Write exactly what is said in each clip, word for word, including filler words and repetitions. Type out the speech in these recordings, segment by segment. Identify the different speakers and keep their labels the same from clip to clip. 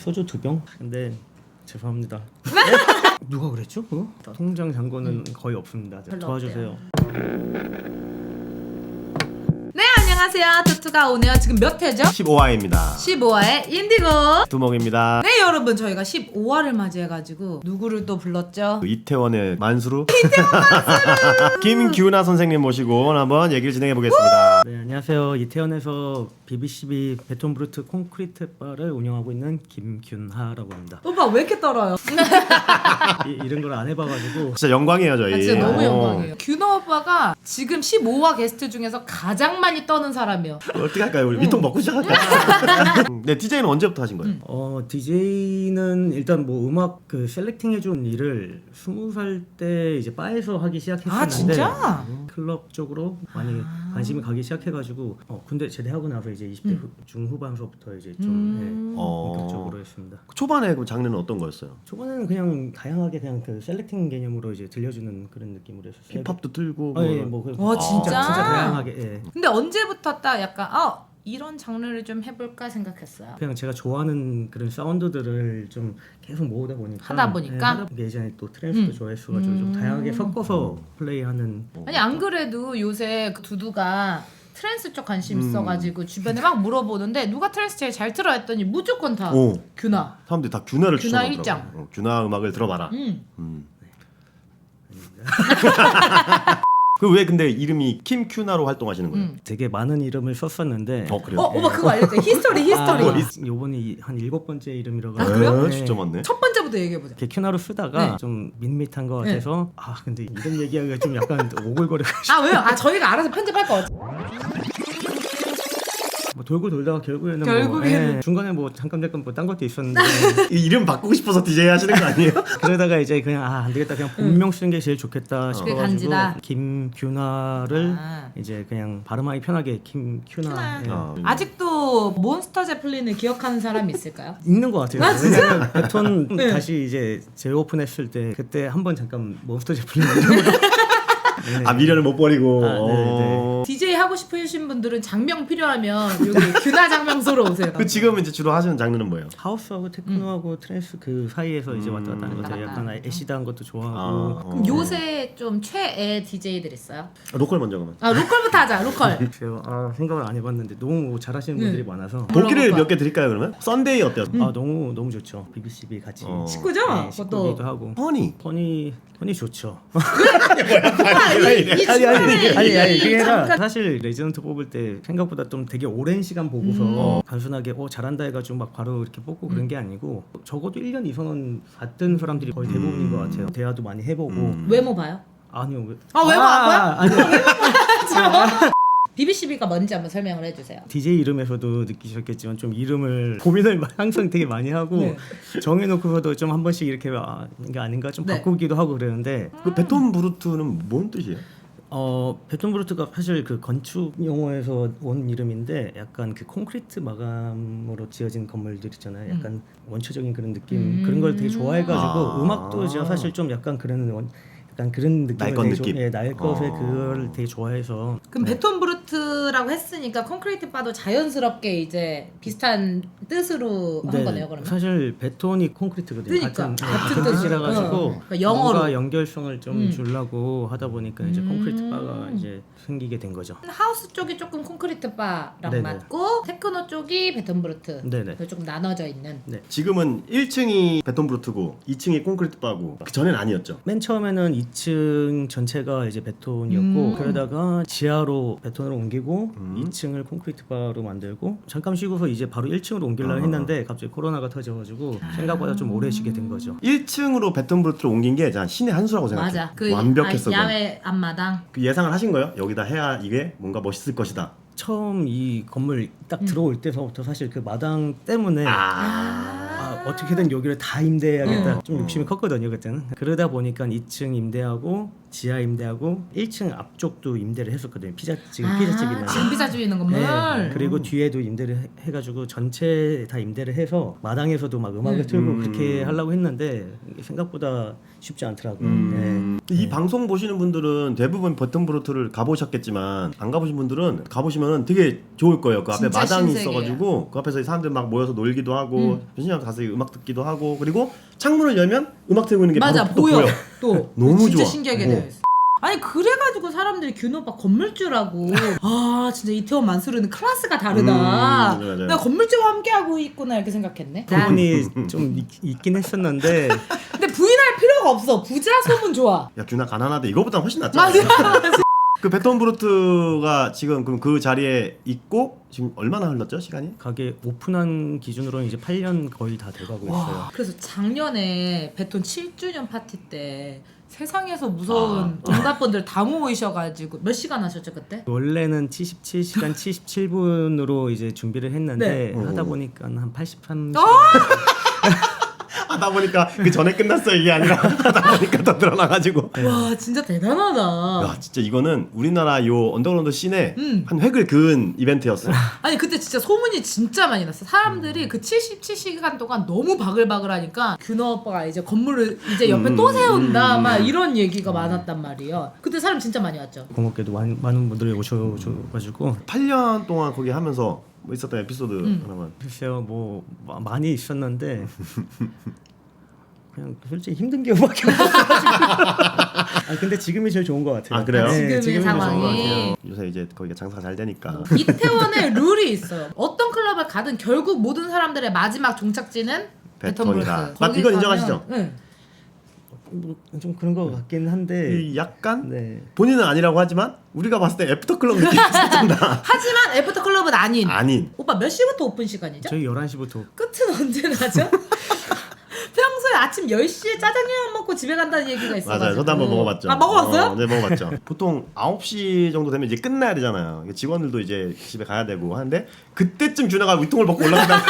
Speaker 1: 소주 두 병? 근데 죄송합니다. 누가 그랬죠? 그거? 통장 잔고는 음. 거의 없습니다. 도와주세요.
Speaker 2: 네, 안녕하세요. 투투가 오네요. 지금 몇 회죠?
Speaker 3: 십오 화입니다.
Speaker 2: 십오 화의 인디고
Speaker 3: 두목입니다.
Speaker 2: 네, 여러분, 저희가 십오 화를 맞이해가지고 누구를 또 불렀죠?
Speaker 3: 이태원의 만수루 이태원 만수루 김규나 선생님 모시고 한번 얘기를 진행해 보겠습니다.
Speaker 1: 네, 안녕하세요. 이태원에서 비비씨비 베톤브루트 콘크리트 바를 운영하고 있는 김균하라고 합니다.
Speaker 2: 오빠 왜 이렇게 떨어요?
Speaker 1: 이, 이런 걸 안 해봐가지고
Speaker 3: 진짜 영광이에요 저희.
Speaker 2: 아, 진짜 너무
Speaker 3: 어.
Speaker 2: 영광이에요. 규너 오빠가 지금 십오 화 게스트 중에서 가장 많이 떠는 사람이요.
Speaker 3: 어떻게 할까요? 우리 미통 먹고 시작할까요? 네, 디제이는 언제부터 하신 거예요?
Speaker 1: 어 디제이는 일단 뭐 음악 그 셀렉팅 해준 일을 스무 살 때 이제 바에서 하기 시작했었는데
Speaker 2: 아, 진짜?
Speaker 1: 클럽 쪽으로 많이
Speaker 2: 아.
Speaker 1: 관심이 가기 시작해가지고 어 군대 제대하고 나서 이제 이십 대
Speaker 2: 음.
Speaker 1: 후, 중후반서부터 이제 좀
Speaker 2: 음.
Speaker 1: 예,
Speaker 3: 어.
Speaker 1: 본격적으로 했습니다.
Speaker 3: 초반에 그 장르는 어떤 거였어요?
Speaker 1: 초반에는 그냥 다양하게 그냥 그 셀렉팅 개념으로 이제 들려주는 그런 느낌으로 했었어요.
Speaker 3: 힙합도 틀고
Speaker 1: 아, 예, 뭐 그,
Speaker 2: 와, 진짜?
Speaker 1: 진짜 다양하게 예.
Speaker 2: 근데 언제부터 딱 약간 아 이런 장르를 좀 해볼까 생각했어요?
Speaker 1: 그냥 제가 좋아하는 그런 사운드들을 좀 계속 모으다 보니까
Speaker 2: 하다 보니까?
Speaker 1: 예, 하다 보니까 예전에 또 트랜스도
Speaker 2: 음.
Speaker 1: 좋아했어가지고 좀
Speaker 2: 음.
Speaker 1: 다양하게 섞어서 플레이하는
Speaker 2: 아니 안 그래도 요새 그 두두가 트랜스 쪽 관심
Speaker 3: 음.
Speaker 2: 있어가지고 주변에 막 물어보는데 누가 트랜스 제일 잘 들어 했더니 무조건 다
Speaker 3: 오.
Speaker 2: 규나.
Speaker 3: 사람들이 다 규나를
Speaker 2: 규나
Speaker 3: 추천하더라고요.
Speaker 2: 일장.
Speaker 3: 어, 규나 음악을 들어봐라.
Speaker 2: 음.
Speaker 3: 음. 그 왜 근데 이름이 김큐나로 활동하시는 거예요?
Speaker 2: 음.
Speaker 1: 되게 많은 이름을 썼었는데
Speaker 3: 어 그래요?
Speaker 2: 어, 오빠 그거 알려줘. 히스토리, 히스토리.
Speaker 1: 아, 요번이 한 일곱 번째 이름이라고
Speaker 2: 아, 그래요?
Speaker 3: 에, 진짜 많네.
Speaker 2: 첫 번째부터 얘기해보자.
Speaker 1: 이렇게 큐나로 쓰다가
Speaker 2: 네.
Speaker 1: 좀 밋밋한 것
Speaker 2: 네.
Speaker 1: 같아서 아 근데 이름 얘기하기가 좀 약간 오글거려가지고
Speaker 2: 아 왜요? 아 저희가 알아서 편집할 거 같아.
Speaker 1: 뭐 돌고 돌다가 결국에는
Speaker 2: 결국에는.
Speaker 1: 뭐 예, 중간에 뭐 잠깐 잠깐 뭐 딴 것도 있었는데
Speaker 3: 이 이름 바꾸고 싶어서 디제이 하시는 거 아니에요?
Speaker 1: 그러다가 이제 그냥 아 안 되겠다 그냥 본명 쓰는 게 제일 좋겠다
Speaker 2: 그게 간지다.
Speaker 1: 싶어가지고 김규나를
Speaker 2: 아.
Speaker 1: 이제 그냥 발음하기 편하게 김큐나
Speaker 2: 큐나.
Speaker 1: 예.
Speaker 3: 아.
Speaker 2: 아직도 몬스터 제플린을 기억하는 사람이 있을까요?
Speaker 1: 있는 것 같아요.
Speaker 2: 아, 진짜?
Speaker 1: 왜냐면 베톤
Speaker 2: 네.
Speaker 1: 다시 이제 재오픈했을 때 그때 한번 잠깐 몬스터 제플린 이름으로 네.
Speaker 3: 아 미련을 못 버리고.
Speaker 1: 아, 네,
Speaker 3: 어.
Speaker 2: 디제이 하고 싶으신 분들은 장명 필요하면 여기 규나 장명소로 오세요.
Speaker 3: 그 지금 이제 주로 하시는 장르는 뭐예요?
Speaker 1: 하우스하고 테크노하고 트랜스 그 사이에서 이제 왔다 갔다 하는 것 같아요.
Speaker 2: 왔다
Speaker 1: 약간
Speaker 2: 갔다.
Speaker 1: 애시드한 것도 좋아하고
Speaker 3: 아,
Speaker 2: 그럼 요새 좀 최애 디제이들 있어요?
Speaker 3: 로컬 먼저 가면.
Speaker 2: 아 로컬부터 하자. 로컬.
Speaker 1: 글쎄요. 아 생각을 안 해봤는데 너무 잘하시는
Speaker 2: 네.
Speaker 1: 분들이 많아서
Speaker 3: 도끼를
Speaker 2: 물어볼
Speaker 3: 몇 개 드릴까요 그러면? 썬데이 어때요?
Speaker 1: 아 너무 너무 좋죠. 비비씨비 같이
Speaker 3: 어.
Speaker 2: 식구죠?
Speaker 1: 네,
Speaker 2: 그것도.
Speaker 1: 식구기도 하고
Speaker 3: 허니.
Speaker 1: 펀이 펀이 좋죠.
Speaker 2: 아니 이
Speaker 1: 아니 아니
Speaker 2: 중간에
Speaker 1: 아니 아니 그게 아니라
Speaker 2: 잠깐-
Speaker 1: 사실 레지던트 뽑을 때 생각보다 좀 되게 오랜 시간 보고서
Speaker 2: 음.
Speaker 1: 단순하게 어 잘한다 해가지고 막 바로 이렇게 뽑고 그런 게 아니고 적어도 일 년 이상은 봤던 사람들이 거의 대부분인 것 같아요. 대화도 많이 해보고
Speaker 3: 음.
Speaker 2: 외모 봐요?
Speaker 1: 아니요 왜-
Speaker 2: 아, 외모 안 봐요?
Speaker 1: 아니요
Speaker 2: 비비씨비가 뭔지 한번 설명을 해주세요.
Speaker 1: 디제이 이름에서도 느끼셨겠지만 좀 이름을 고민을 마- 항상 되게 많이 하고
Speaker 2: 네.
Speaker 1: 정해놓고서도 좀 한 번씩 이렇게 아 이게 아닌가 좀
Speaker 2: 네.
Speaker 1: 바꾸기도 하고 그러는데
Speaker 3: 그 베톤 브루트는 뭔 뜻이에요?
Speaker 1: 어 베톤브루트가 사실 그 건축 용어에서 온 이름인데 약간 그 콘크리트 마감으로 지어진 건물들 있잖아요. 약간 원초적인 그런 느낌
Speaker 2: 음.
Speaker 1: 그런 걸 되게 좋아해가지고
Speaker 3: 아.
Speaker 1: 음악도 제가 사실 좀 약간 그런 원, 약간 그런 느낌을
Speaker 3: 날 것
Speaker 1: 되게
Speaker 3: 느낌?
Speaker 1: 예, 날 것에
Speaker 3: 어.
Speaker 1: 그거를 되게 좋아해서
Speaker 2: 그럼 베톤 브루트라고 했으니까 콘크리트 바도 자연스럽게 이제 비슷한 뜻으로 한
Speaker 1: 네,
Speaker 2: 거네요, 그러면?
Speaker 1: 사실 베톤이 콘크리트거든요.
Speaker 2: 그러니까,
Speaker 1: 같은,
Speaker 2: 같은
Speaker 1: 같은
Speaker 2: 뜻이라.
Speaker 1: 뜻이라 가지고
Speaker 2: 어, 그러니까 영어로.
Speaker 1: 뭔가 연결성을 좀
Speaker 2: 음.
Speaker 1: 주려고 하다 보니까 이제
Speaker 2: 음.
Speaker 1: 콘크리트 바가 이제 생기게 된 거죠.
Speaker 2: 하우스 쪽이 조금 콘크리트 바랑
Speaker 1: 네네.
Speaker 2: 맞고 테크노 쪽이 베톤 브루트.
Speaker 1: 네네.
Speaker 2: 조금 나눠져 있는.
Speaker 3: 지금은 일 층이 베톤 브루트고 이 층이 콘크리트 바고 그 전엔 아니었죠?
Speaker 1: 맨 처음에는 이 층 전체가 이제 베톤이었고
Speaker 2: 음.
Speaker 1: 그러다가 지하로 베톤으로 옮기고
Speaker 3: 음.
Speaker 1: 이 층을 콘크리트 바로 만들고 잠깐 쉬고서 이제 바로 일 층으로 옮기려고
Speaker 3: 아.
Speaker 1: 했는데 갑자기 코로나가 터져가지고 생각보다 좀 오래 쉬게 된 거죠.
Speaker 3: 일 층으로 베톤 브루트로 옮긴 게 자, 신의 한 수라고 생각해요.
Speaker 2: 맞아. 그
Speaker 3: 완벽했어.
Speaker 2: 아, 야외 앞마당.
Speaker 3: 그 예상을 하신 거예요? 여기다 해야 이게 뭔가 멋있을 것이다.
Speaker 1: 처음 이 건물 딱
Speaker 2: 음.
Speaker 1: 들어올 때서부터 사실 그 마당 때문에
Speaker 3: 아.
Speaker 1: 아, 어떻게든 여기를 다 임대해야겠다.
Speaker 2: 음.
Speaker 1: 좀 욕심이 컸거든요 그때는. 그러다 보니까 이 층 임대하고 지하 임대하고 일 층 앞쪽도 임대를 했었거든요. 피자 지금 피자집 있는.
Speaker 2: 지금 피자집 있는 건물.
Speaker 1: 네. 그리고 뒤에도 임대를 해- 해가지고 전체 다 임대를 해서 마당에서도 막 음악을
Speaker 2: 음.
Speaker 1: 틀고
Speaker 3: 음.
Speaker 1: 그렇게 하려고 했는데 이게 생각보다 쉽지 않더라고요.
Speaker 3: 음. 이 방송 보시는 분들은 대부분 베톤브루트를 가보셨겠지만 안 가보신 분들은 가보시면 되게 좋을 거예요. 그 앞에
Speaker 2: 진짜
Speaker 3: 마당이
Speaker 2: 신세계예요.
Speaker 3: 있어가지고 그 앞에서 사람들 막 모여서 놀기도 하고
Speaker 2: 음.
Speaker 3: 변신장 가서 음악 듣기도 하고 그리고 창문을 열면 음악 틀고 있는 게
Speaker 2: 맞아
Speaker 3: 바로 또
Speaker 2: 보여.
Speaker 3: 보여.
Speaker 2: 또
Speaker 3: 너무
Speaker 2: 진짜
Speaker 3: 좋아.
Speaker 2: 신기하게
Speaker 3: 어.
Speaker 2: 되어 있어. 아니 그래가지고 사람들이 균 오빠 건물주라고 아 진짜 이태원 만수르는 클래스가 다르다.
Speaker 3: 음, 맞아요, 맞아요.
Speaker 2: 내가 건물주와 함께하고 있구나 이렇게 생각했네.
Speaker 1: 그분이 좀 있, 있긴 했었는데
Speaker 2: 근데 부인할 필요가 없어. 부자 소문 좋아.
Speaker 3: 야 균아 가난하다 이거보다 훨씬 낫잖아.
Speaker 2: 맞아.
Speaker 3: 그 베톤브루트가 지금 그럼 그 자리에 있고 지금 얼마나 흘렀죠 시간이?
Speaker 1: 가게 오픈한 기준으로는 이제 팔 년 거의 다 돼가고 있어요.
Speaker 2: 와, 그래서 작년에 베톤 칠 주년 파티 때 세상에서 무서운
Speaker 3: 아.
Speaker 2: 정답분들 다 모이셔가지고 몇 시간 하셨죠 그때?
Speaker 1: 원래는 칠십칠 시간 칠십칠 분으로 이제 준비를 했는데
Speaker 3: 네.
Speaker 1: 하다
Speaker 3: 오.
Speaker 1: 보니까 한 팔십삼
Speaker 2: 어?
Speaker 1: 시간
Speaker 3: 하다 보니까 그 전에 끝났어 이게 아니라 하다 보니까 더 늘어나가지고.
Speaker 2: 와 진짜 대단하다.
Speaker 3: 야 진짜 이거는 우리나라 요 언더그라운드 씬에
Speaker 2: 음.
Speaker 3: 한 획을 그은 이벤트였어.
Speaker 2: 아니 그때 진짜 소문이 진짜 많이 났어. 사람들이 그 칠십칠 시간 동안 너무 바글바글하니까 균어 오빠가 이제 건물을 이제 옆에
Speaker 3: 음,
Speaker 2: 또 세운다
Speaker 3: 음,
Speaker 2: 막
Speaker 3: 음.
Speaker 2: 이런 얘기가 많았단 말이에요. 그때 사람 진짜 많이 왔죠.
Speaker 1: 공업계도 많은, 많은 분들이 오셔가지고
Speaker 3: 팔 년 동안 거기 하면서 뭐 있었던 에피소드
Speaker 2: 음.
Speaker 3: 하나만.
Speaker 1: 글쎄요 뭐 마- 많이 있었는데 그냥 솔직히 힘든 경우밖에 없어가지고 아 근데 지금이 제일 좋은 것 같아요.
Speaker 3: 아, 그래요?
Speaker 2: 지금의
Speaker 1: 지금이 제일 좋은 것
Speaker 2: 상황이.
Speaker 1: 같아요.
Speaker 3: 요새 이제 거기가 장사가 잘 되니까.
Speaker 2: 이태원에 룰이 있어요. 어떤 클럽을 가든 결국 모든 사람들의 마지막 종착지는
Speaker 3: 베톤이다.
Speaker 2: 베톤브루크.
Speaker 3: 맞-
Speaker 2: 거기
Speaker 3: 이건
Speaker 2: 가면-
Speaker 3: 인정하시죠?
Speaker 2: 응.
Speaker 1: 뭐 좀 그런 것 같긴 한데
Speaker 3: 이 약간
Speaker 1: 네.
Speaker 3: 본인은 아니라고 하지만 우리가 봤을 때 애프터 클럽 느낌이 있었다.
Speaker 2: 하지만 애프터 클럽은 아닌.
Speaker 3: 아닌.
Speaker 2: 오빠 몇 시부터 오픈 시간이죠?
Speaker 1: 저희 열한 시부터
Speaker 2: 끝은 언제 나죠? 평소에 아침 열 시에 짜장면 먹고 집에 간다는 얘기가 있어가지고.
Speaker 3: 맞아요. 저도 한번 먹어봤죠.
Speaker 2: 아 먹어봤어요?
Speaker 3: 어, 네 먹어봤죠. 보통 아홉 시 정도 되면 이제 끝나야 되잖아요. 직원들도 이제 집에 가야 되고 하는데 그때쯤 준하가 위통을 벗고 올라간다.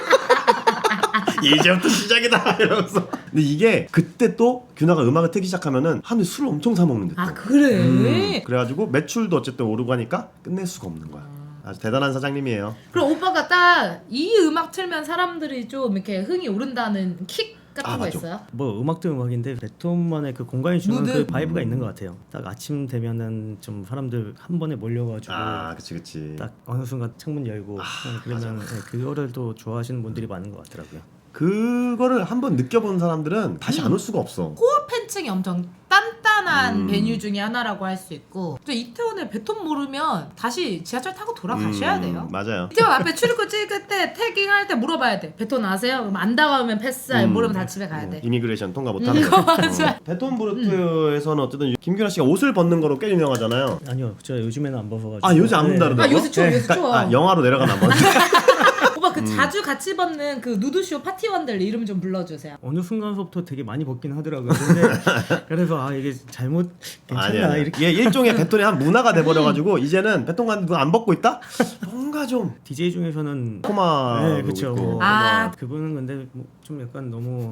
Speaker 3: 이제부터 시작이다 이러면서. 근데 이게 그때 또 균아가 음악을 틀기 시작하면은 하루에 술을 엄청 사 먹는데 또.
Speaker 2: 아 그래?
Speaker 3: 음, 그래가지고 매출도 어쨌든 오르고 하니까 끝낼 수가 없는 거야. 아주 대단한 사장님이에요.
Speaker 2: 그럼 오빠가 딱 이 음악 틀면 사람들이 좀 이렇게 흥이 오른다는 킥 같은
Speaker 3: 아,
Speaker 2: 거
Speaker 3: 맞아.
Speaker 2: 있어요?
Speaker 1: 뭐 음악도 음악인데 베톤만의 그 공간이 주는
Speaker 2: 무드?
Speaker 1: 그 바이브가 있는 것 같아요. 딱 아침 되면은 좀 사람들 한 번에 몰려가지고
Speaker 3: 아, 그치 그치.
Speaker 1: 딱 어느 순간 창문 열고
Speaker 3: 아,
Speaker 1: 그러면 네, 그거를 또 좋아하시는 분들이 많은 것 같더라고요.
Speaker 3: 그거를 한번 느껴본 사람들은 다시 안 올 수가 없어.
Speaker 2: 코어 팬층이 엄청 단단한
Speaker 3: 음.
Speaker 2: 베뉴 중에 하나라고 할 수 있고 또 이태원에 베톤 모르면 다시 지하철 타고 돌아가셔야
Speaker 3: 음,
Speaker 2: 돼요.
Speaker 3: 맞아요.
Speaker 2: 이태원 앞에 출입구 찍을 때 태깅할 때 물어봐야 돼. 베톤 아세요? 그럼 안 다가오면 패스,
Speaker 3: 음.
Speaker 2: 모르면 다 집에 가야 돼.
Speaker 3: 이미그레이션 통과 못하는 거.
Speaker 2: 맞아.
Speaker 3: 어. 베톤브루트에서는 어쨌든 김규라 씨가 옷을 벗는 거로 꽤 유명하잖아요.
Speaker 1: 아니요, 저 요즘에는 안 벗어가지고.
Speaker 3: 아 요새 안 본다는데.
Speaker 2: 아 요새 추워, 요새 추워.
Speaker 3: 아 영화로 내려가나 봐.
Speaker 2: 오빠
Speaker 3: 음.
Speaker 2: 그 자주 같이 벗는 그 누드쇼 파티원들 이름 좀 불러주세요.
Speaker 1: 어느 순간서부터 되게 많이 벗긴 하더라고요. 근데 그래서 아 이게 잘못 괜찮나
Speaker 3: 아니야.
Speaker 1: 이렇게
Speaker 3: 이게 일종의 베톤의 한 문화가 돼버려가지고 이제는 베톤 가는 누가 안 벗고 있다? 뭔가 좀
Speaker 1: 디제이 중에서는
Speaker 3: 코마.
Speaker 1: 네, 그쵸. 뭐,
Speaker 2: 아.
Speaker 1: 그분은 근데 뭐좀 약간 너무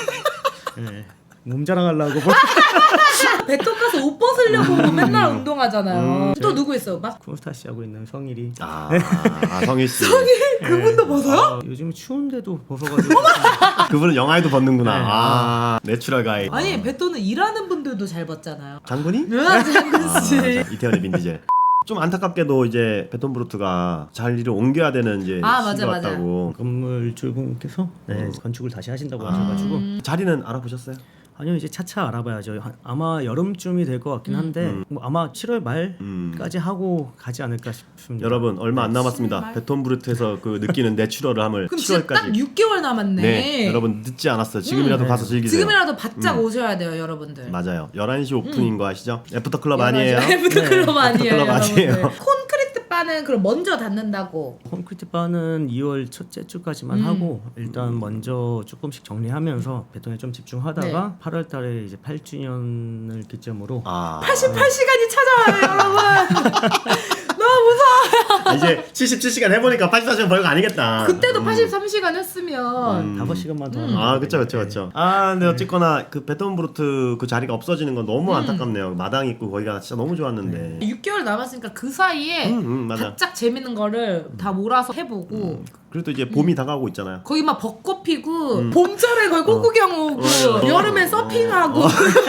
Speaker 1: 네, 몸 자랑하려고 뭐
Speaker 2: 베톤 가서 옷 벗으려고 뭐 맨날 운동하잖아요.
Speaker 1: 음,
Speaker 2: 또
Speaker 1: 제-
Speaker 2: 누구 있어? 막
Speaker 1: 쿠스타 씨 하고 있는 성일이.
Speaker 3: 아, 아 성일 씨.
Speaker 2: 그분도 벗어요?
Speaker 1: 아, 요즘 추운데도 벗어가지고
Speaker 3: 그분은 영화에도 벗는구나.
Speaker 1: 네.
Speaker 3: 아 내추럴 가이.
Speaker 2: 아니 베톤은 일하는 분들도 잘 벗잖아요.
Speaker 3: 장군이?
Speaker 2: 으아 장군
Speaker 3: 아,
Speaker 2: 씨.
Speaker 3: 자, 이태원의 빈디젤. 좀 안타깝게도 이제 베톤브루트가 자리를 옮겨야 되는 이제
Speaker 2: 아, 맞아,
Speaker 3: 시기가
Speaker 2: 맞아.
Speaker 3: 왔다고.
Speaker 1: 건물주분께서 네,
Speaker 3: 어.
Speaker 1: 건축을 다시 하신다고
Speaker 3: 아.
Speaker 1: 하셔가지고
Speaker 2: 음.
Speaker 3: 자리는 알아보셨어요?
Speaker 1: 아니요 이제 차차 알아봐야죠. 한- 아마 여름쯤이 될 것 같긴 한데
Speaker 3: 음.
Speaker 1: 뭐 아마 칠월
Speaker 3: 음.
Speaker 1: 말까지 하고 가지 않을까 싶습니다.
Speaker 3: 여러분 얼마 안 남았습니다.
Speaker 2: 칠월 말?
Speaker 3: 베톤브루트에서 그 느끼는 내추럴을 함을
Speaker 2: 그럼 진짜 딱
Speaker 3: 칠월까지.
Speaker 2: 육 개월 남았네.
Speaker 3: 네, 여러분 늦지 않았어요. 지금이라도
Speaker 1: 음.
Speaker 3: 가서 즐기세요.
Speaker 2: 지금이라도 바짝 오셔야 돼요, 여러분들.
Speaker 3: 맞아요. 열한 시 오픈인 거 아시죠? 애프터 클럽 아니에요.
Speaker 2: 애프터 클럽 아니에요,
Speaker 3: 클럽 아니에요.
Speaker 2: 여러분들. 콘크리트 바는 그럼 먼저 닫는다고.
Speaker 1: 콘크리트 바는 이월 첫째 주까지만
Speaker 2: 음.
Speaker 1: 하고 일단 먼저 조금씩 정리하면서 베톤에 좀 집중하다가
Speaker 2: 네.
Speaker 1: 팔월 달에 이제 팔 주년을 기점으로
Speaker 3: 아.
Speaker 2: 팔십팔 시간이 찾아와요, 여러분. 무서워.
Speaker 3: 아, 이제 칠십칠 시간 해보니까 팔십사 시간 벌거 아니겠다.
Speaker 2: 그때도
Speaker 3: 음.
Speaker 2: 팔십삼 시간 했으면
Speaker 3: 음.
Speaker 1: 다섯 시간만 더.
Speaker 2: 음.
Speaker 1: 하면
Speaker 3: 아, 그쵸, 그쵸,
Speaker 1: 되는데.
Speaker 3: 그쵸. 아, 근데 어쨌거나 그 베톤브루트 그 자리가 없어지는 건 너무
Speaker 2: 음.
Speaker 3: 안타깝네요. 마당 있고 거기가 진짜 너무 좋았는데.
Speaker 2: 육 개월 남았으니까 그 사이에
Speaker 3: 음, 음, 맞아.
Speaker 2: 바짝 재밌는 거를 다 몰아서 해보고
Speaker 3: 음. 그리고 또 이제 봄이 다가오고 있잖아요.
Speaker 2: 거기 막 벚꽃 피고
Speaker 3: 음.
Speaker 2: 봄철에 거기 꽃구경 오고
Speaker 3: 어, 어,
Speaker 2: 여름에
Speaker 3: 어,
Speaker 2: 서핑하고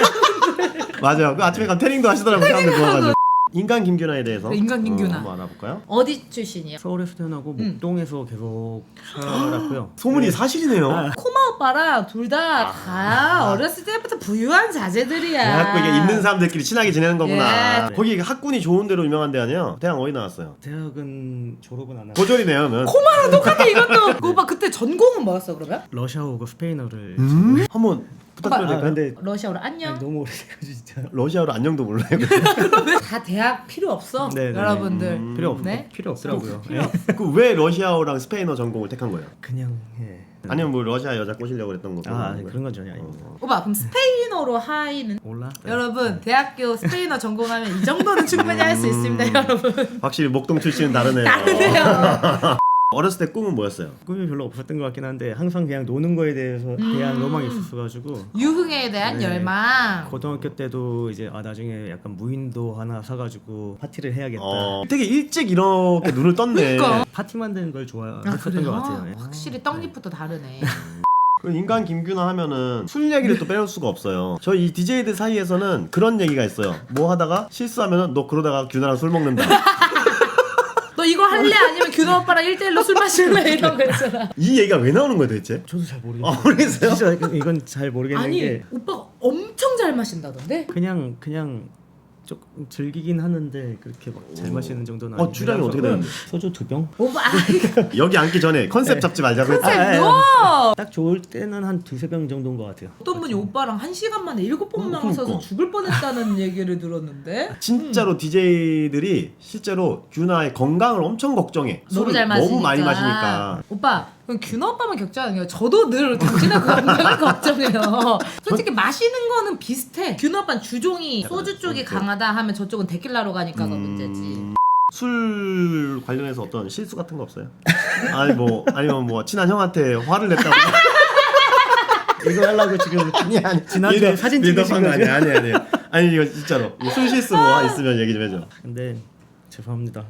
Speaker 3: 맞아요. 그 아침에 가면 태닝도 하시더라고요. 사람들 좋아가지고. 인간 김규나에 대해서
Speaker 2: 인간 김규나.
Speaker 3: 어, 한번 알아볼까요?
Speaker 2: 어디 출신이에요?
Speaker 1: 서울에서 태어나고
Speaker 2: 음.
Speaker 1: 목동에서 계속 살았고요.
Speaker 3: 소문이 사실이네요.
Speaker 1: 아.
Speaker 2: 코마 오빠랑 둘 다 다 어렸을 때부터 부유한 자제들이야.
Speaker 3: 대학교 이게 있는 사람들끼리 친하게 지내는 거구나.
Speaker 2: 예.
Speaker 3: 거기 학군이 좋은 데로 유명한 데 아니에요? 대학 어디 나왔어요?
Speaker 1: 대학은 졸업은 안 하고
Speaker 3: 고졸이네요, 그러면.
Speaker 2: 코마랑 똑같아 이것도. 그 오빠 그때 전공은 뭐였어 그러면?
Speaker 1: 러시아어고 스페인어를
Speaker 3: 음? 한번 부탁드려도
Speaker 1: 아,
Speaker 3: 될까요?
Speaker 1: 근데
Speaker 2: 러시아어로 안녕.
Speaker 1: 아니, 너무 오래돼가지고 진짜
Speaker 3: 러시아어로 안녕도 몰라요.
Speaker 2: 다 대학 필요 없어
Speaker 1: 네, 네.
Speaker 2: 여러분들.
Speaker 3: 음.
Speaker 1: 필요 없
Speaker 2: 네?
Speaker 1: 필요 없더라고요.
Speaker 2: 필요
Speaker 1: 예.
Speaker 3: 그 왜 러시아어랑 스페인어 전공을 택한 거예요?
Speaker 1: 그냥 예.
Speaker 3: 아니면 뭐 러시아 여자 꼬시려고 그랬던 거?
Speaker 1: 아 아니, 그런 건 전혀 아닙니다.
Speaker 3: 어.
Speaker 2: 오빠 그럼 스페인어로 하이는?
Speaker 1: 몰라.
Speaker 2: 여러분 대학교 스페인어 전공하면 이 정도는 충분히 할 수
Speaker 3: 음.
Speaker 2: 있습니다 여러분.
Speaker 3: 확실히 목동 출신은 다르네요.
Speaker 2: 다르네요.
Speaker 3: 어렸을 때 꿈은 뭐였어요?
Speaker 1: 꿈이 별로 없었던 것 같긴 한데 항상 그냥 노는 거에 대해서 대한
Speaker 2: 음.
Speaker 1: 로망이 있었어가지고
Speaker 2: 유흥에 대한
Speaker 1: 네.
Speaker 2: 열망.
Speaker 1: 고등학교 때도 이제 아 나중에 약간 무인도 하나 사가지고 파티를 해야겠다.
Speaker 3: 어, 되게 일찍 이렇게 눈을 떴네.
Speaker 2: 그러니까.
Speaker 1: 파티 만드는 걸 좋아했었던
Speaker 2: 아, 그래요?
Speaker 1: 것 같아요. 예.
Speaker 2: 확실히 떡잎부터 다르네.
Speaker 3: 그 인간 김규나 하면은 술 얘기를 또 빼놓을 수가 없어요. 저희 이 디제이들 사이에서는 그런 얘기가 있어요. 뭐 하다가 실수하면은 너 그러다가 규나랑 술 먹는다.
Speaker 2: 너 이거 할래? 아니면 규나 오빠랑 일 대일로 술 마실래? 이런 거 있잖아.
Speaker 3: 이 얘기가 왜 나오는 거예요 도대체?
Speaker 1: 저도 잘 모르겠어요.
Speaker 3: 아, 모르겠어요?
Speaker 1: 진짜 이건 잘 모르겠는
Speaker 2: 아니
Speaker 1: 게
Speaker 2: 오빠가 엄청 잘 마신다던데?
Speaker 1: 그냥 그냥 조금 즐기긴 하는데 그렇게 막 잘 마시는 정도는
Speaker 3: 어,
Speaker 1: 아니고
Speaker 3: 주량이 어떻게 되는데?
Speaker 1: 소주 두 병?
Speaker 2: 오빠 아,
Speaker 3: 여기 앉기 전에 컨셉
Speaker 1: 네.
Speaker 3: 잡지 말자고 했죠.
Speaker 1: 아, 아,
Speaker 2: 너
Speaker 1: 딱 좋을 때는 한 두세 병 정도인 것 같아요.
Speaker 2: 어떤 분이 오빠랑 한 시간 만에 일곱 번
Speaker 3: 음,
Speaker 2: 마셔서
Speaker 3: 그러니까.
Speaker 2: 죽을 뻔했다는 얘기를 들었는데.
Speaker 3: 진짜로 디제이들이 실제로 규나의 건강을 엄청 걱정해.
Speaker 2: 너무
Speaker 3: 술을
Speaker 2: 잘 마시니까.
Speaker 3: 너무 많이 마시니까.
Speaker 2: 오빠 그럼 규나 오빠만 걱정하는 게 아니라 저도 늘 당신의 건강을 걱정해요. 솔직히 마시는 거는 비슷해. 규나 오빠는 주종이 소주 쪽이
Speaker 3: 오케이.
Speaker 2: 강하다 하면 저쪽은 데킬라로 가니까가
Speaker 3: 음,
Speaker 2: 문제지.
Speaker 3: 술 관련해서 어떤 실수 같은 거 없어요? 아니 뭐 아니면 뭐 친한 형한테 화를 냈다고.
Speaker 1: 이거 하려고 지금
Speaker 3: 아니 아니
Speaker 1: 지난주에 사진 찍으신
Speaker 3: 거
Speaker 1: 거죠?
Speaker 3: 아니 아니 아니 아니 이거 진짜로 술 실수 뭐 있으면 얘기 좀 해줘.
Speaker 1: 근데 죄송합니다.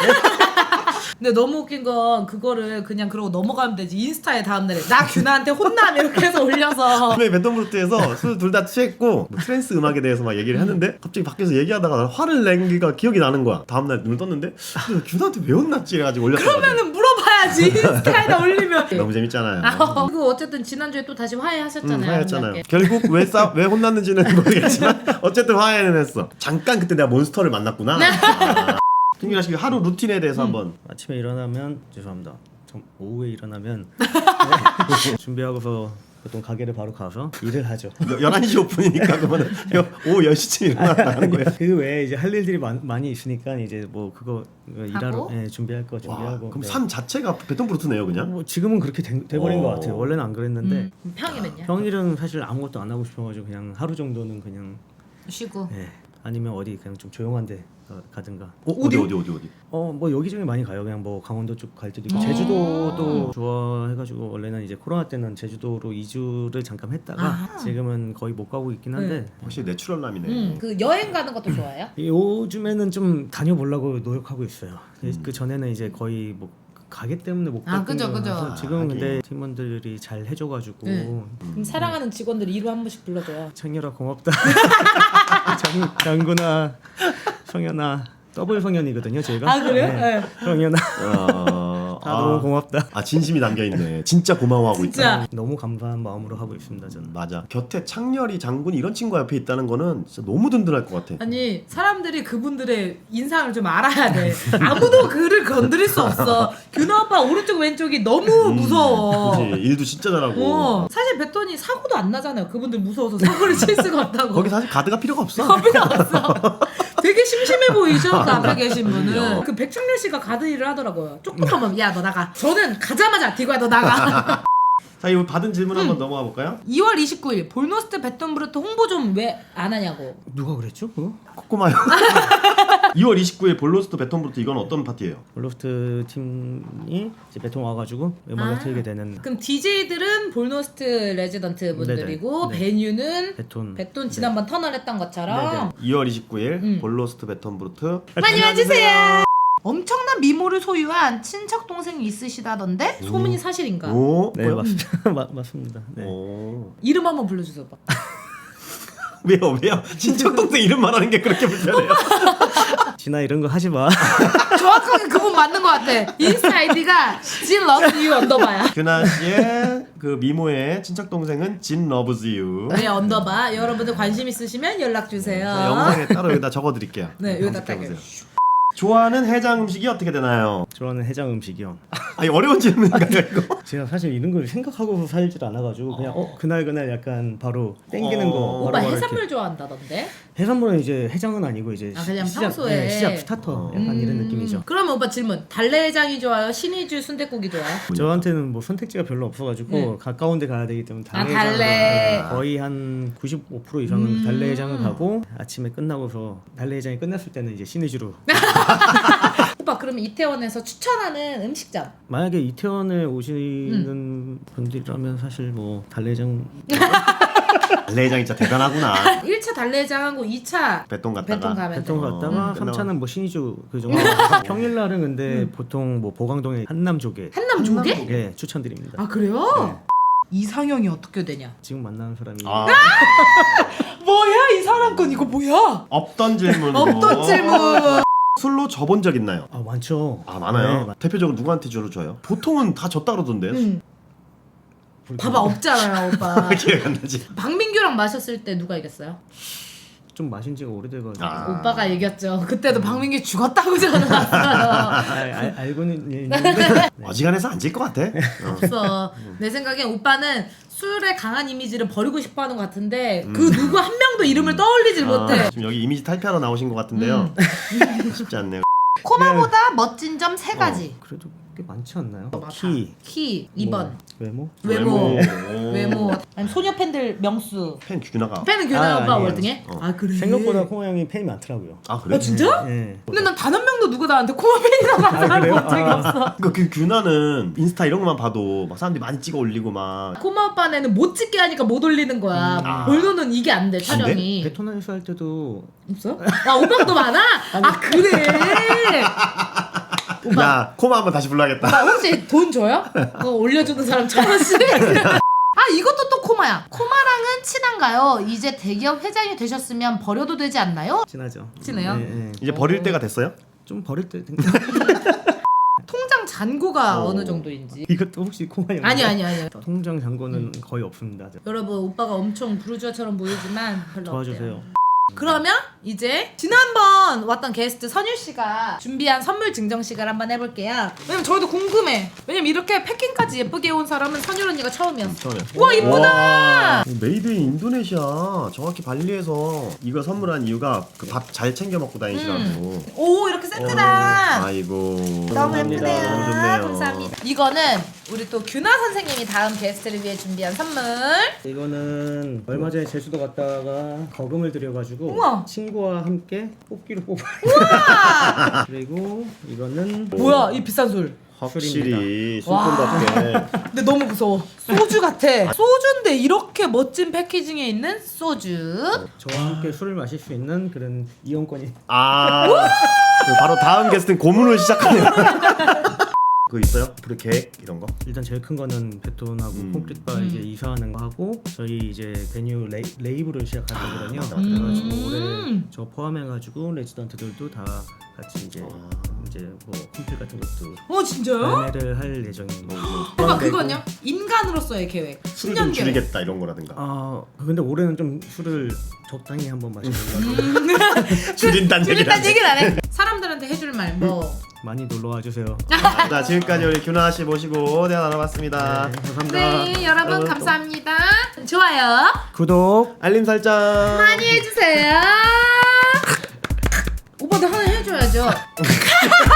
Speaker 2: 근데 너무 웃긴 건 그거를 그냥 그러고 넘어가면 되지. 인스타에 다음날에 나 규나한테 혼남 이렇게 해서 올려서
Speaker 3: 처음에 베톤브루트에서 술 둘 다 취했고 뭐 트랜스 음악에 대해서 막 얘기를 했는데 갑자기 밖에서 얘기하다가 화를 낸 게가 기억이 나는 거야. 다음날 눈을 떴는데 근데 규나한테 왜 혼났지 해가지고 올렸어.
Speaker 2: 그러면은 물어봐야지. 인스타에다 올리면.
Speaker 3: 너무 재밌잖아요.
Speaker 2: 아, 그리고 어쨌든 지난주에 또 다시 화해하셨잖아요.
Speaker 3: 음, 화해했잖아요.
Speaker 2: 아름답게.
Speaker 3: 결국 왜 싸, 왜 혼났는지는 모르겠지만 어쨌든 화해는 했어. 잠깐 그때 내가 몬스터를 만났구나. 아. 김규나 씨 하루 루틴에 대해서 한번.
Speaker 1: 아침에 일어나면 죄송합니다. 좀 오후에 일어나면 네, 준비하고서 보통 가게를 바로 가서 일을 하죠.
Speaker 3: 열한 시 오픈이니까 그러면 오후 열 시쯤 일어나는 거예요.
Speaker 1: 그 외에 이제 할 일들이 많, 많이 있으니까 이제 뭐 그거 일하러 예, 준비할 거
Speaker 3: 와,
Speaker 1: 준비하고.
Speaker 3: 그럼
Speaker 1: 네.
Speaker 3: 삶 자체가 베톤브루트네요 그냥.
Speaker 1: 뭐 지금은 그렇게 돼, 돼버린
Speaker 3: 어.
Speaker 1: 것 같아요. 원래는 안 그랬는데
Speaker 2: 음, 평일은요?
Speaker 1: 평일은 사실 아무것도 안 하고 싶어가지고 그냥 하루 정도는 그냥
Speaker 2: 쉬고.
Speaker 1: 예, 아니면 어디 그냥 좀 조용한데 가든가.
Speaker 3: 어, 어디 어디 어디 어디.
Speaker 1: 어 뭐 여기저기 많이 가요. 그냥 뭐 강원도 쪽 갈 때도 있고
Speaker 2: 음.
Speaker 1: 제주도도 좋아해가지고 원래는 이제 코로나 때는 제주도로 이 주를 잠깐 했다가
Speaker 2: 아.
Speaker 1: 지금은 거의 못 가고 있긴 한데
Speaker 3: 확실히 내추럴남이네.
Speaker 2: 음, 그 여행 가는 것도 좋아해요?
Speaker 1: 요즘에는 좀 다녀보려고 노력하고 있어요. 그 전에는 이제 거의 뭐 가게 때문에 못
Speaker 2: 아,
Speaker 1: 갔던
Speaker 2: 그죠, 그죠.
Speaker 1: 거라서 지금
Speaker 3: 아,
Speaker 1: 근데
Speaker 3: 하긴.
Speaker 1: 팀원들이 잘 해줘가지고
Speaker 2: 네. 그럼 사랑하는 직원들 이루 한 번씩 불러줘요.
Speaker 1: 청열아 고맙다. 장, 장구나 성현아 더블 성현이거든요 저희가.
Speaker 2: 아, 그래요?
Speaker 1: 네.
Speaker 2: 네.
Speaker 1: 성현아
Speaker 3: 어,
Speaker 1: 다 너무 고맙다.
Speaker 3: 아 진심이 담겨 있네. 진짜 고마워하고
Speaker 2: 진짜.
Speaker 3: 있다.
Speaker 1: 너무 감사한 마음으로 하고 있습니다 저는.
Speaker 3: 맞아. 곁에 창렬이 장군이 이런 친구가 옆에 있다는 거는 진짜 너무 든든할 것 같아.
Speaker 2: 아니 사람들이 그분들의 인상을 좀 알아야 돼. 아무도 그를 건드릴 수 없어. 규나 오빠 오른쪽 왼쪽이 너무 무서워.
Speaker 3: 그치. 일도 진짜 잘하고.
Speaker 2: 어, 사실 베톤이 사고도 안 나잖아요. 그분들 무서워서 사고를 칠 수가 없다고.
Speaker 3: 거기 사실 가드가 필요가 없어.
Speaker 2: 필요 없어. 되게 심심해 보이죠? 그 앞에 계신 분은.
Speaker 3: 그럼요.
Speaker 2: 그 백창렬 씨가 가드 일을 하더라고요. 쪽쪽하면 야 너 나가. 저는 가자마자 디고야 너 나가.
Speaker 3: 자 이거 받은 질문
Speaker 2: 음.
Speaker 3: 한번 넘어가 볼까요?
Speaker 2: 이월 이십구일 볼노스트 베톤브루트 홍보 좀 왜 안 하냐고.
Speaker 1: 누가 그랬죠 그거?
Speaker 3: 코코마요. 이월 이십구일 볼로스트 베톤브루트 이건 어떤 파티예요?
Speaker 1: 볼로스트 팀이 이제 베통 와가지고 음악을
Speaker 2: 아.
Speaker 1: 틀게 되는
Speaker 2: 그럼 디제이들은 볼노스트 레지던트 분들이고
Speaker 1: 네네.
Speaker 2: 베뉴는
Speaker 1: 베톤.
Speaker 2: 베톤 지난번 터널했던 것처럼
Speaker 3: 이월 이십구일
Speaker 2: 음.
Speaker 3: 볼로스트 베톤브루트
Speaker 2: 많이 와주세요. 엄청난 미모를 소유한 친척 동생이 있으시다던데 소문이 사실인가?
Speaker 3: 오?
Speaker 1: 네
Speaker 3: 뭐요?
Speaker 1: 맞습니다. 마, 맞습니다. 네.
Speaker 3: 오.
Speaker 2: 이름 한번 불러주세요. 오빠.
Speaker 3: 왜요 왜요? 친척 동생 이름 말하는 게 그렇게 불편해요?
Speaker 1: 진아 이런 거 하지 마.
Speaker 2: 정확하게 그분 맞는 것 같아. 인스타 아이디가 진 러브 유 언더바야.
Speaker 3: 규나 씨의 그 미모의 친척 동생은 진 러브즈 유.
Speaker 2: 네 언더바. 여러분들 관심 있으시면 연락 주세요.
Speaker 3: 영상에 따로 여기다 적어드릴게요.
Speaker 2: 네 여기다
Speaker 3: 검색해보세요.
Speaker 2: 딱요.
Speaker 3: 좋아하는 해장 음식이 어떻게 되나요?
Speaker 1: 좋아하는 해장 음식이요.
Speaker 3: 아니 어려운 질문인가요 이거?
Speaker 1: 제가 사실 이런 걸 생각하고 살질 않아가지고 그냥 어 그날 그날 약간 바로 땡기는
Speaker 3: 어.
Speaker 1: 거.
Speaker 2: 오빠
Speaker 1: 바로바로
Speaker 2: 해산물
Speaker 1: 이렇게.
Speaker 2: 좋아한다던데?
Speaker 1: 해산물은 이제 해장은 아니고 이제
Speaker 2: 아, 그냥
Speaker 1: 시작,
Speaker 2: 평소에.
Speaker 1: 네, 시작 스타터 약간 이런 느낌이죠.
Speaker 2: 그러면 오빠 질문. 달래장이 좋아요? 신이주 순댓국이 좋아요?
Speaker 1: 저한테는 뭐 선택지가 별로 없어가지고
Speaker 2: 네.
Speaker 1: 가까운 데 가야 되기 때문에
Speaker 2: 아,
Speaker 1: 달래장을
Speaker 2: 달래.
Speaker 1: 거의 한 구십오 퍼센트 이상은
Speaker 2: 음.
Speaker 1: 달래장을 가고 아침에 끝나고서 달래장이 끝났을 때는 이제 신의주로
Speaker 2: 오빠 그러면 이태원에서 추천하는 음식점.
Speaker 1: 만약에 이태원에 오시는
Speaker 2: 음.
Speaker 1: 분들이라면 사실 뭐 달래장
Speaker 3: 달래장 진짜 대단하구나.
Speaker 2: 일 차 달래장하고 이 차
Speaker 3: 베톤 갔다가
Speaker 2: 베톤 가면 돼.
Speaker 1: 배통 갔다가
Speaker 3: 음.
Speaker 1: 삼 차는 뭐 신의주 그 정도. 평일날은 근데 보통 뭐 보강동에 한남조개
Speaker 2: 한남 조개?
Speaker 1: 예 추천드립니다.
Speaker 2: 아 그래요? 이상형이 어떻게 되냐?
Speaker 1: 지금 만나는 사람이
Speaker 3: 아,
Speaker 2: 뭐야 이 사람 건 이거 뭐야?
Speaker 3: 없던 질문.
Speaker 2: 없던 질문.
Speaker 3: 술로 져본 적 있나요?
Speaker 1: 아 많죠.
Speaker 3: 아 많아요.
Speaker 1: 네, 많-
Speaker 3: 대표적으로 누구한테 주로 줘요? 보통은 다 졌다 그러던데요.
Speaker 2: 응. 봐봐 없잖아요 오빠.
Speaker 3: 기억 안 나지.
Speaker 2: 박민규랑 마셨을 때 누가 이겼어요?
Speaker 1: 좀 마신 지가 오래돼가지고
Speaker 3: 아.
Speaker 2: 오빠가 이겼죠. 그때도 박민규 죽었다고 전화왔어요.
Speaker 1: 아, 알, 알고는 있는데 네.
Speaker 3: 어지간해서 안 질 것 같아. 어.
Speaker 2: 없어. 내 생각엔 오빠는 술에 강한 이미지를 버리고 싶어하는 것 같은데 그 누구 한 명도 이름을 떠올리질 못해.
Speaker 3: 아, 지금 여기 이미지 탈피하러 나오신 것 같은데요. 쉽지 않네요.
Speaker 2: 코마보다 멋진 점 세 가지.
Speaker 1: 그래도 꽤 많지 않나요?
Speaker 2: 맞아.
Speaker 1: 키,
Speaker 2: 키 이 번.
Speaker 1: 뭐, 외모,
Speaker 2: 외모.
Speaker 3: 외모.
Speaker 2: 외모. 아니 소녀 팬들 명수.
Speaker 3: 팬 규나가.
Speaker 2: 팬은 규나
Speaker 1: 아,
Speaker 2: 오빠
Speaker 1: 아니에요.
Speaker 2: 월등해?
Speaker 3: 어.
Speaker 2: 아 그래.
Speaker 1: 생각보다 코마 형이 팬이 많더라고요.
Speaker 3: 아 그래?
Speaker 2: 아 진짜?
Speaker 1: 예.
Speaker 2: 근데 난 단 한 명도 누가 나한테 코마 팬이라고 한 사람
Speaker 1: 그래요?
Speaker 2: 본 적이
Speaker 1: 아.
Speaker 2: 없어.
Speaker 3: 그러니까 그 규나는 인스타 이런 것만 봐도 막 사람들이 많이 찍어 올리고 막.
Speaker 2: 코마 오빠네는 못 찍게 하니까 못 올리는 거야.
Speaker 3: 아.
Speaker 2: 볼노는 이게 안 돼 촬영이.
Speaker 1: 베토나에서 할 때도
Speaker 2: 없어? 아 오빠가 더 많아? 아 그래. 오빠,
Speaker 3: 야 코마 한번 다시 불러야겠다.
Speaker 2: 오빠 혹시 돈 줘요? 그거 올려주는 사람 천 원씩. 아 이것도 또 코마야. 코마랑은 친한가요? 이제 대기업 회장이 되셨으면 버려도 되지 않나요?
Speaker 1: 친하죠.
Speaker 2: 친해요?
Speaker 1: 예, 예.
Speaker 3: 이제 버릴 때가 됐어요?
Speaker 1: 좀 버릴 때
Speaker 2: 통장 잔고가
Speaker 3: 어.
Speaker 2: 어느 정도인지.
Speaker 1: 이것도 혹시 코마 형
Speaker 2: 아니 아니 아니.
Speaker 1: 통장 잔고는 거의 없습니다.
Speaker 2: 여러분 오빠가 엄청 부르주아처럼 보이지만 별로
Speaker 1: 도와주세요.
Speaker 2: 없대요. 그러면 이제 지난번 왔던 게스트 선율 씨가 준비한 선물 증정식을 한번 해볼게요. 왜냐면 저희도 궁금해. 왜냐면 이렇게 패킹까지 예쁘게 온 사람은 선율 언니가 처음이었어.
Speaker 3: 처음에.
Speaker 2: 우와 이쁘다.
Speaker 3: 와, 메이드 인 인도네시아. 정확히 발리에서 이거 선물한 이유가 그 밥 잘 챙겨 먹고 다니시라고.
Speaker 2: 오 이렇게 세트다.
Speaker 3: 어, 아이고.
Speaker 2: 너무
Speaker 1: 감사합니다.
Speaker 2: 예쁘네요.
Speaker 3: 너무 좋네요.
Speaker 2: 감사합니다. 이거는 우리 또 규나 선생님이 다음 게스트를 위해 준비한 선물.
Speaker 1: 이거는 얼마 전에 제주도 갔다가 거금을 들여가지고
Speaker 2: 우와.
Speaker 1: 친구와 함께 뽑기로 뽑아.
Speaker 2: 우와.
Speaker 1: 그리고 이거는
Speaker 2: 뭐야 이 비싼 술.
Speaker 3: 확실히
Speaker 2: 와.
Speaker 3: 술꾼답게.
Speaker 2: 근데 너무 무서워. 소주 같아. 소주인데 이렇게 멋진 패키징에 있는 소주.
Speaker 1: 저와 함께 술을 마실 수 있는 그런 이용권이.
Speaker 3: 아. 그 바로 다음 게스트는 고문을 시작하네요. 그거 있어요? 앞으로 계획 이런 거?
Speaker 1: 일단 제일 큰 거는 베톤하고
Speaker 3: 음.
Speaker 1: 콘크리트바
Speaker 2: 음.
Speaker 1: 이제 이사하는 거 하고 저희 이제 베뉴 레이, 레이블을 시작할 거거든요.
Speaker 3: 맞다,
Speaker 2: 맞다.
Speaker 1: 그래가지고
Speaker 2: 음.
Speaker 1: 올해 저 포함해가지고 레지던트들도 다 같이 이제
Speaker 3: 아.
Speaker 1: 이제 뭐 콘필 같은 것도
Speaker 2: 어 진짜요?
Speaker 1: 발매를 할 예정입니다.
Speaker 2: 오빠 그건요? 인간으로서의 계획.
Speaker 3: 술을
Speaker 2: 십 년
Speaker 3: 좀
Speaker 2: 계획.
Speaker 3: 줄이겠다 이런 거라든가.
Speaker 1: 아 근데 올해는 좀 술을 적당히 한번 마시려고
Speaker 3: 줄인다는 얘기를
Speaker 2: 줄인다는
Speaker 3: 하네.
Speaker 2: 얘기는 안 해. 사람들한테 해줄 말 뭐.
Speaker 1: 많이 놀러 와주세요.
Speaker 3: 자 지금까지 우리 규나 씨 모시고 대화 나눠봤습니다.
Speaker 1: 네, 감사합니다.
Speaker 2: 네 여러분
Speaker 3: 어,
Speaker 2: 감사합니다. 좋아요
Speaker 1: 구독.
Speaker 3: 알림 설정.
Speaker 2: 많이 해주세요. 오빠도 하나 해줘야죠.